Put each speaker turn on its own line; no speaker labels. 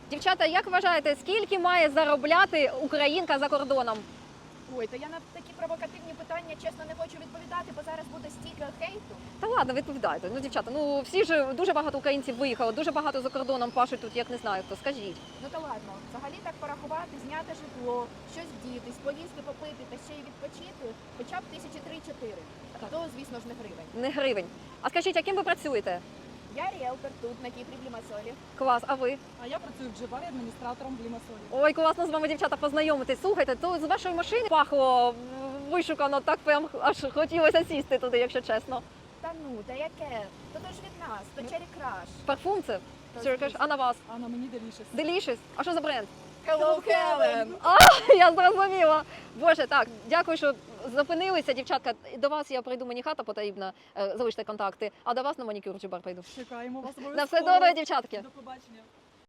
Дівчата, як вважаєте, скільки має заробляти українка за кордоном?
Ой, то я на такі провокативні питання, чесно, не хочу відповідати, бо зараз буде стільки хейту.
Та ладно, відповідайте. Ну, дівчата, ну всі ж дуже багато українців виїхало, дуже багато за кордоном пашуть тут, як не знаю хто. Скажіть.
Ну то ладно, взагалі так порахувати, зняти житло, щось вдітись, поїсти, попити та ще й відпочити, хоча б 1003-4. То, звісно ж, не гривень.
Не гривень. А скажіть, яким ви працюєте?
Я ріелтор тут, на Кіпрі, в Лімасолі.
Клас, а ви?
А я працюю в Джибарі адміністратором в Лімасолі.
Ой, класно з вами, дівчата, познайомитись. Слухайте, то з вашої машини пахло вишукано, так прям аж хотілося сісти туди, якщо чесно.
Та ну, та яке? То ж від нас, то Cherry Crush.
Парфум це?
Та,
Cherry Crush.
звісно.
А на вас?
А на мені Delicious.
Delicious. А що за бренд?
Hello, Helen!
Я зрозуміла. Боже, так, дякую, що зупинилися, дівчатка. До вас я прийду, мені хата потрібна, залиште контакти, а до вас на манікюр чи бар прийду.
Чекаємо вас обов'язково.
На все добре, дівчатки.
До побачення.